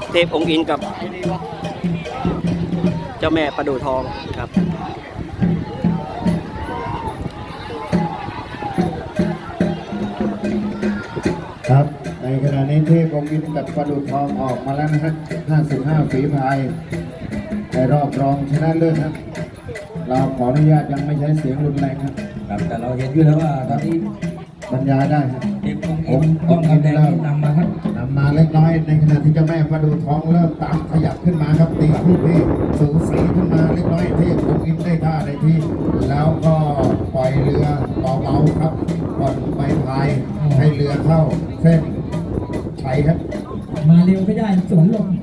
เทพองค์อินกับเจ้าแม่ประดู่ทองครับครับในขณะนี้เทพองค์อินกับประดู่ทองออกมาแล้วนะฮะ55ฝีพายในรอบรองชนะเลิศครับเราขออนุญาตยังไม่ใช้เสียงรุนแรงครับแต่เราเห็นอยู่แล้วว่าตอนนี้บรรยายได้ครับเด็กผมต้องกำแดงนำมาครับนำมาเล็กน้อยในขณะที่เจ้าแม่ประดู่ทองเริ่มตามขยับขึ้นมาครับตีคู่ที่สูสีขึ้นมาเล็กน้อยเทพองค์อินได้ท่าได้ที่แล้วก็ปล่อยเรือเบาๆครับก่อนไปพายให้เรือเข้าเส้นชัยครับมาเร็วไม่ได้สวนหลบ